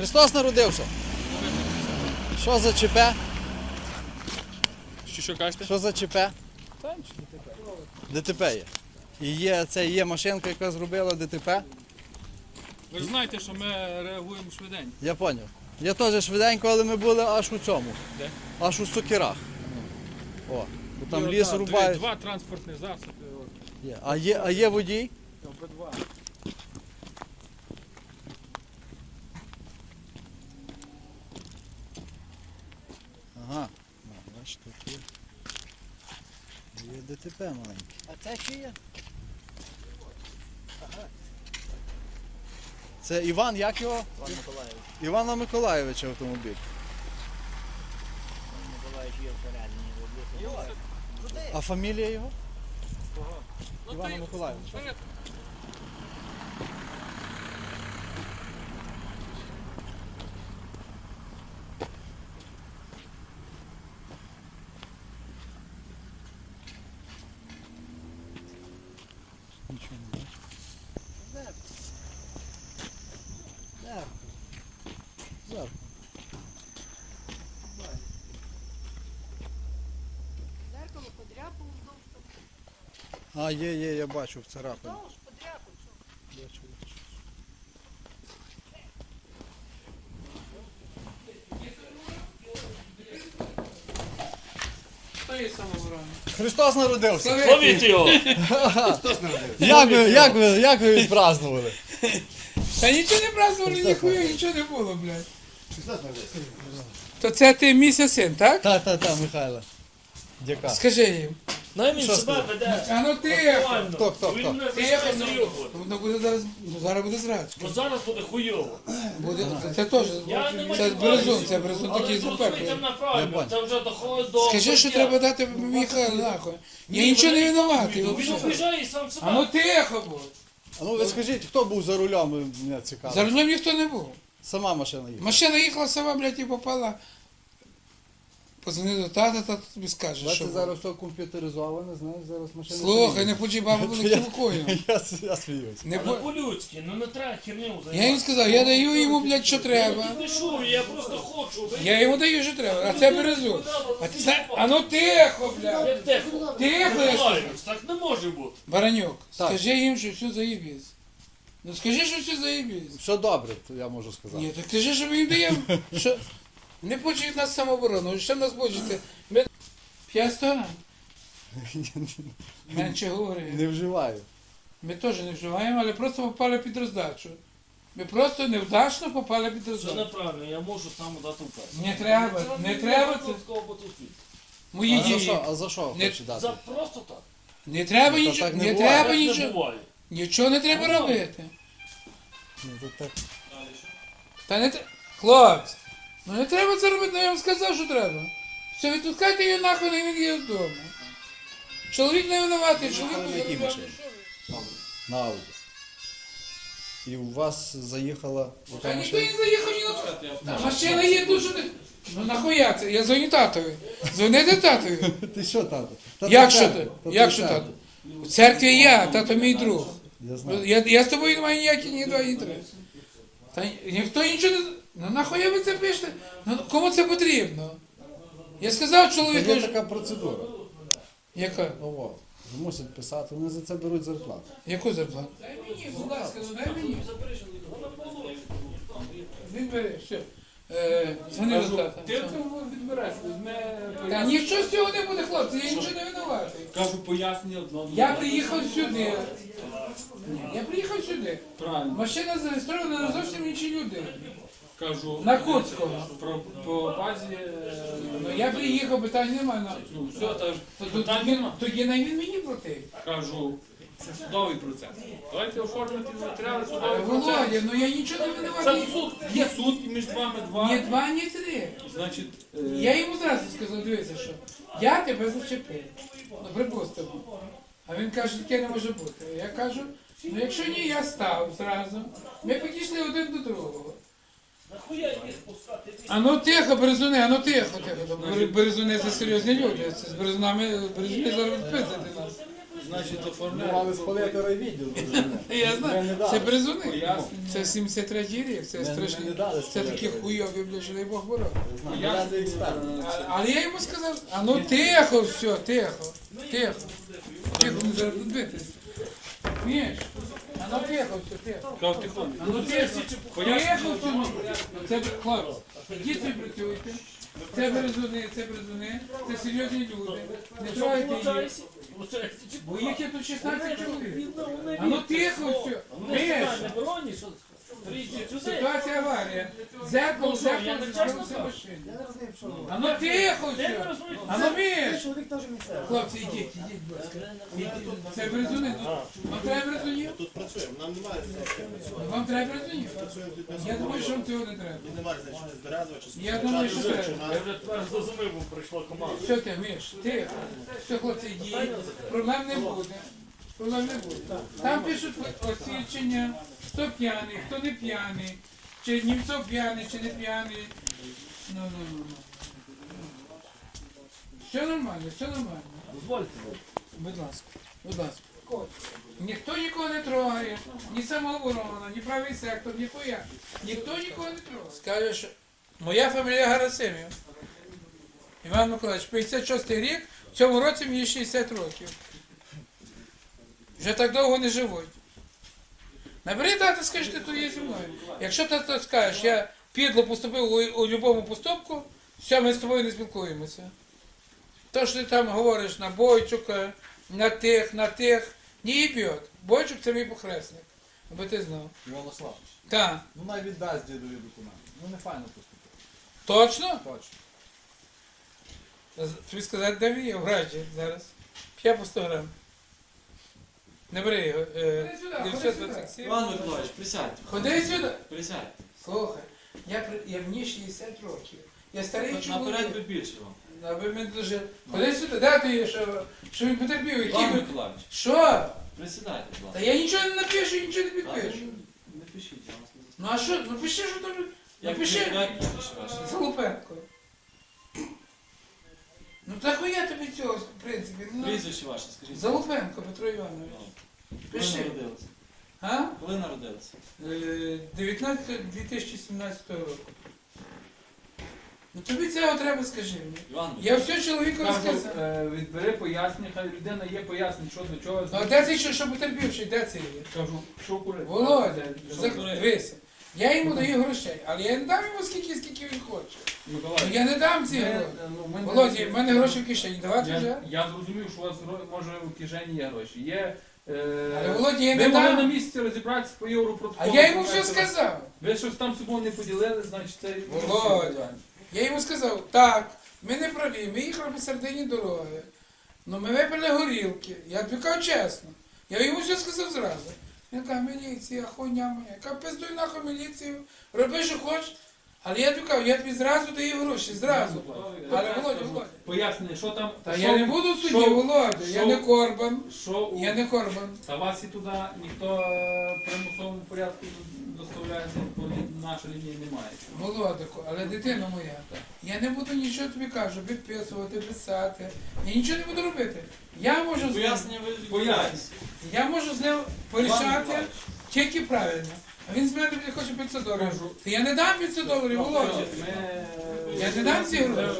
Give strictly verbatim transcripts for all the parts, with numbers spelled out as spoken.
Христос народився. Що за ЧП? Що, що кажете? Що за ЧП? Там чи ДТП? ДТП є. І є, це є машинка, яка зробила ДТП. Ви ж знаєте, що ми реагуємо швиденько. Я зрозумів. Я теж швиденько, але ми були аж у цьому. Де? Аж у Сокирах. О, бо там І ліс одна, рубають. Два транспортні засоби. от. Є. А, є, а є водій? Обидва. Ага. Ну, бачиш, тут є. Є ДТП маленьке. А це чи є? Це Іван, як його? Пан Миколаївич. Івана Миколаєвича автомобіль. Пан Миколаївич є всередині. Куди? А фамілія його? Кого? Івана Миколаєвича. Нічого не бачу. Зеркало. Зеркало. Зеркало подряпав вздовж, А, є, є, я бачу в царапині. вздовж подряпав. що? Бачу, бачу. Та є самого рано. Христос народився. Ловіть його! Як ви, як ви, як ви відпразнували? Та нічого не празднували, ніхуя, нічого не було, блядь. То це ти місяць син, так? Та, та, та, Михайло. Дяка. Скажи їм. Ну він Що себе сказати? веде. А ну тихо. Нормально. Хто, хто, Він хто? не Тихо, зайшов ну. зайобувати. Воно буде зараз, ну, зараз буде зрачка. Бо зараз буде хуйово. Буде, це теж, Я не це можу березун, це березун але такий зрозумійте запеклий. мене правильно, це вже доходить до... Скажи, що треба дати Михайлу нахуй. Я нічого не винуватий, Він взагалі. обіжає і сам А ну себе. тихо будь. А ну ви скажіть, хто був за рулем, мене цікаво. За рулем ніхто не був. Сама машина їхала. Машина їхала сама, блядь, і попала. Позвони до тата, тата тобі скаже, що. Бачите, було. зараз все комп'ютеризоване, знаєш, зараз машина. Слухай, не почи бабу буде кілкою. Я, я сміюсь. Не Але по- по-людськи, ну не треба херню займати. Я їм сказав, я даю йому, блядь, що треба. Не шую, я просто хочу. ви- Я йому даю, що треба, а це березу. А ти знаєш, а ну тихо, блядь. Як тихо. Тихо, я скажу. Так не може бути. Баранюк, Так. скажи їм, що все заєбісь. Ну скажи, що все заєбісь. Все добре, то я можу сказати. Ні, так скажи, що ми їм даємо. Що? Не почують нас самооборону, що нас почуєте? Ми... П'ять сторон. Менше говори. Не вживаю. Ми теж не вживаємо, але просто попали під роздачу. Ми просто невдачно попали під Це роздачу. неправильно, я можу сам дати указ. Не треба, не треба це. Мої А за дії. що, а за що Не- хоче дати? За просто так. Не треба Ну, то нічого, так не не буває. треба Так не нічого. буває. Нічого не треба Ну, робити. Ні, то так. Та не треба. Хлопці, ну не треба це робити, ну я вам сказав, що треба. Все, відпускайте її нахуй, і він є вдома. Чоловік не винуватий, чоловік на не якій винуватий. машині? На Ауді. І у вас заїхала Та яка ніхто машина? не заїхав ні на Та машина є дуже. Ну нахуя це? Я дзвоню татові. Дзвоните татові. Ти що, тато? Тато Як в що церкві. ти? Тато Як в що церкві. тато? У церкві я, тато мій друг. Я знаю. Я, я з тобою не маю ніяких ні два, ні три. Та ніхто нічого не. Ну нахуя ви це пишете? Ну кому це потрібно? Я сказав Та чоловіку, є що- така процедура. яка? Ого. Мусять писати, вони за це беруть зарплату. Яку зарплату? Дай мені, будь ласка, ну дай мені. Він бере, все. Е, Дзвони до тата. Ти цього відбереш, візьме... Та нічого з цього не буде, хлопці, я нічого не винуватий. Кажу пояснення одного. Я приїхав сюди. Ні, я приїхав сюди. Правильно. Машина зареєстрована на зовсім інші люди. Кажу. На Курського. Про, по базі... е, Ну я приїхав, питань немає. Ну, Ну, все, та ж. то- то- Питань Тоді нема. тоді на він мені платив. Кажу, це судовий процес. Давайте оформити матеріали судовий Але, процес. Володя, ну я нічого не Це винуватий. суд, є суд і між вами два. Ні два, ні три. Значить, е, Я йому зразу сказав, дивися, що я тебе зачепив. Ну, припустимо. А він каже, таке не може бути. Я кажу, ну якщо ні, я став зразу. Ми підійшли один до другого. Нахуя їх пускати? А ну тихо, березуни, а ну тихо, тихо. Бер- Березуни це серйозні люди. Це з березунами, березуни зараз відписати нас. Значить, Ми оформляємо. мали спалити райвідділ. Я Ми знаю, не це дали. бризуни. Пояснення. Це сімдесят третій рік, це Ми- ми страшні. не дали Це спалити такі райвідділ. хуйові, бля, що дай Бог бороть. Я не експерт. А- Але я йому сказав, а ну тихо, все, тихо, тихо. Тихо, не зараз битись. Міш, а ну тихо, все, тихо. Кав тихо. А ну тихо, тихо, сумно. Це хлопці, ідіть ви працюйте. Це березуни, це березуни, це серйозні люди. Не трогайте їх. Бо їх є тут шістнадцять чоловік. А ну тихо, все. Міш, ситуація аварія. Зеркало, зеркало, збилося машина. А ну тихо, все. А ну Міш. Чоловік теж місцевий. Хлопці, ідіть, ідіть, будь ласка. Ідіть. Це березуни, ну. Вам треба березунів? Тут працюємо, нам немає значення. Вам треба березунів? Працюємо тут Я думаю, що вам цього не треба. Тут немає значення з березова чи з Я думаю, що Кучача, треба. чи на- Я вже тепер зрозумів, бо прийшла команда. Все ти, Міш, тихо. Все, хлопці, йдіть. Проблем не буде. Проблем не буде. Там пишуть освідчення, хто п'яний, хто не п'яний, чи Німцов п'яний, чи не п'яний. Ну, ну, ну, ну. Все нормально, все нормально. Дозвольте. Будь ласка, будь ласка. Ніхто нікого не трогає, ні самооборона, ні правий сектор, ні хуя. Ніхто нікого не трогає. Скаже, що моя фамілія Гарасимів. Іван Миколаївич, п'ятдесят шостий рік, в цьому році мені шістдесят років. Вже так довго не живуть. Набери дати, скажи, ти тут є зі мною. Якщо ти то скажеш, я підло поступив у, у будь-якому поступку, все, ми з тобою не спілкуємося. То, що ти там говориш на Бойчука, на тих, на тих, не їбьот. Бойчук це мій похресник, аби ти знав. Волослав. Так. Ну най віддасть дідові документи. Ну не файно поступив. Точно? Точно. Тобі сказати, де він є? В раді зараз. П'я по сто грам. Не бери його. Е, дев'ятсот двадцять сім. Іван Миколаївич, присядьте. Ходи сюди. Присядьте. Слухай, я, при- я мені шістдесят років. Я старий Наперед би чоловік. більше вам. Аби ми дуже... Ходи сюди, де ти є, що, що він потерпів? Який Іван би... Миколаївич, Що? присідайте, будь Та ласка. я нічого не напишу, нічого не Ладно, підпишу. Не пишіть, я вас не Ну а що? Ну пиши, що там. Як Напиши. як прізвище ваше? Залупенко. Ну та хуя тобі цього, в принципі. Ну, Прізвище ваше, скажіть. Залупенко Петро Іванович. Коли Пиши. народилися? А? Коли народилися? Е, дев'ятнадцятого дві тисячі сімнадцятого року. Ну тобі цього треба, скажи мені. Іван Я все чоловіку Кажу, розказав. е, відбери пояснення, хай людина є пояснення, що до чого. Ну а де цей, що, що потерпівший, де це є? Кажу, що курити. Володя, Що за- курити? дивися. Я йому даю грошей, але я не дам йому скільки, скільки він хоче. Ну Миколаївич, я не дам ці ми, гроші. ну, ми не- Володя, в мене гроші в кишені, давати вже? Я, я зрозумів, що у вас гро- може в кишені є гроші. Є. Е, Але Володя, я ви не могли на дам. місці розібратися по європротоколу. А я йому все знаєте, сказав. Ви щось там з собою не поділили, значить це... Володя. Я йому сказав, так, ми не праві, ми їхали посередині дороги. Ну ми випили горілки. Я тобі кажу чесно. Я йому все сказав зразу. Він каже, міліція, хуйня моя. Я кажу, пиздуй нахуй міліцію, роби, що хочеш. Але я тобі кажу, я тобі зразу даю гроші, зразу. Але Володя, Володя. Пояснення, що там... Та що- я не буду в суді, що- Володя, я що- не Корбан. Що у... Я не Корбан. Та вас і туди ніхто е, в примусовому порядку доставляє, бо наша лінія немає. Володику, але дитина моя, я не буду нічого тобі кажу, підписувати, писати. Я нічого не буду робити. Я можу з ним, Пояснення ви... Пояснення. я можу з ним Іван порішати Миколаївич, тільки правильно. А він з мене тобі хоче п'ятсот доларів. Кажу. Та я не дам п'ятсот доларів, Володя. Ми... Я не дам ці гроші.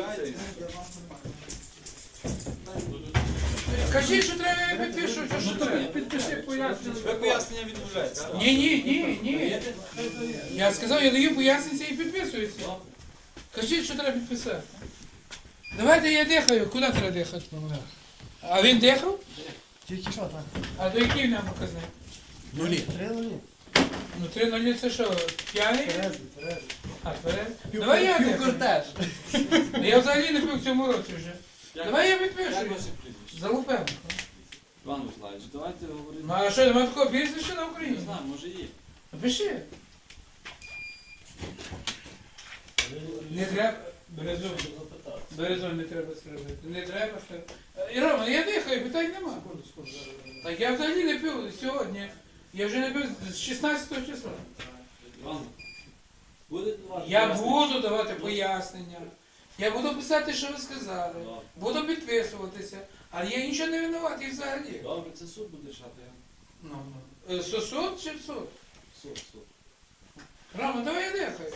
Кажи, що треба, я підпишу, що, що Ну то треба. підпиши пояснення. ви пояснення відмовляєтеся. Ні, ні, ні, ні. Я сказав, я даю пояснення і підписується. Кажіть, що треба підписати. Давайте я дихаю. Куди треба дихати? А він дихав? Тільки що так? А до який нам показник? Нулі. Три нулі. Ну три нулі це що, п'яний? Терезі, Терезі. А, тверезий? Давай я дихаю. Я взагалі не пив в цьому році вже. Як- Давай я Як підпишу. ваше прізвище? Залупенко. Іван Миколаївич, давайте говорити. Ну а що, немає такого прізвища на Не Україні? знаю, може є. Напиши. Не треба. Березовий. Березовий не треба сказати. Не треба сказати. І Роман, я дихаю, питань нема. Так я взагалі не пив сьогодні. Я вже не пив з шістнадцятого числа. Іван, буде давати Я пояснення? буду давати пояснення. Я буду писати, що ви сказали. Буду підписуватися. Але я нічого не винуватий взагалі. Добре, це суд буде рішати. я- Ну, ну. Е, Сосуд чи суд? Суд, суд. Рома, давай я дихаю.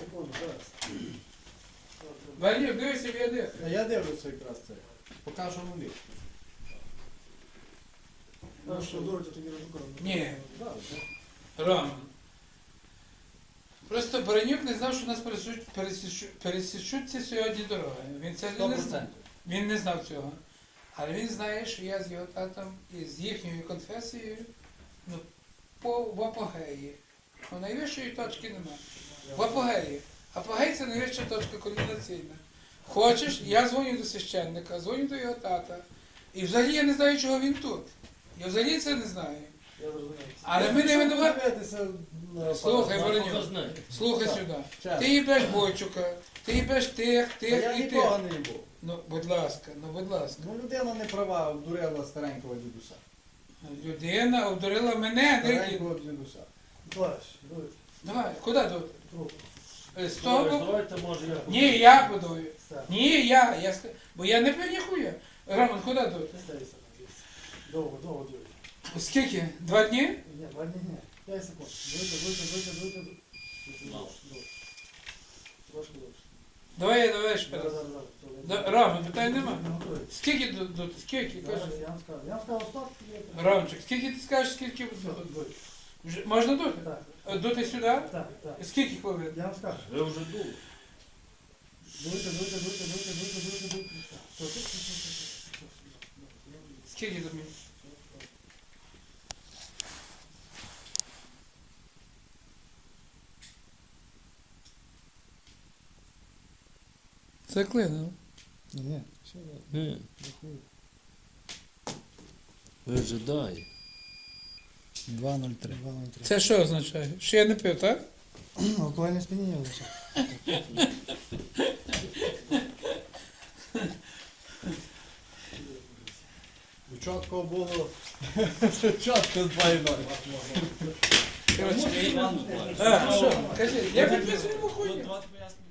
Валюк, дивися, я дихаю. А я дивлюся якраз це. Покажу нулі. Ну що, дурите тоді розукором? Ні, Рома. Просто Баранюк не знав, що нас пересічуть, пересічуть, пересічуться сьогодні дороги. Він це Сто не знав. процентів. Він не знав цього. Але він знає, що я з його татом і з їхньою конфесією ну, по в апогеї. Ну, найвищої точки немає. В апогеї. Апогей це найвища точка кульмінаційна. Хочеш, я дзвоню до священника, дзвоню до його тата. І взагалі я не знаю, чого він тут. Я взагалі це не знаю. Я зрозумів. Але ми не винуваті. Дивитися на Слухай, апарат. Воронюк, слухай Так. сюди. Чесно. Ти їбеш Бойчука, ти їбеш тих, Та тих я і тих. нікого не був. Ну, будь ласка, ну будь ласка. Ну людина не права, обдурила старенького дідуся. Людина обдурила мене, не Старенького дідуся. Товариш, дурите. Давай, куди тут? Трубку. З того боку? Давайте, може, я Ні, я подую. Все. Ні, я, я ска- бо я не пив ніхуя. Роман, куди тут? Не стейся. Довго, довго дурите. Скільки? Два дні? Ні, два дні, ні. П'ять секунд. Дуйте, дуйте, дуйте, дуйте, дуйте. Мало. Довше. Трошки довше. Давай я давай ще Зараз, раз. зараз, зараз. Да, Роман, питань нема. Не готуй. Скільки тут? тут? Скільки? Зараз Кажи. я вам скажу. Я вам сказав, стоп. Ромчик, скільки ти скажеш, скільки Все, тут? дуй. Вже- Можна дути? Так, Е, Дути сюди? так, так. Скільки хвилин? Я вам скажу. Ви вже дули. Дуйте, дуйте, дуйте, дуйте, дуйте, дуйте, дуйте. Все, все, все, все, все, все. Скільки тут? Заклинило. Ні, все, Ні. Вижидай. два нуль три. два ноль три. Це що означає? Що я не пив, так? Алкогольне сп'яніння лише. Чітко було. Чітко два і ноль. Коротше, Іван Миколаївич. а, що? Кажи, я підписую йому хуйню. Давайте пояснимо.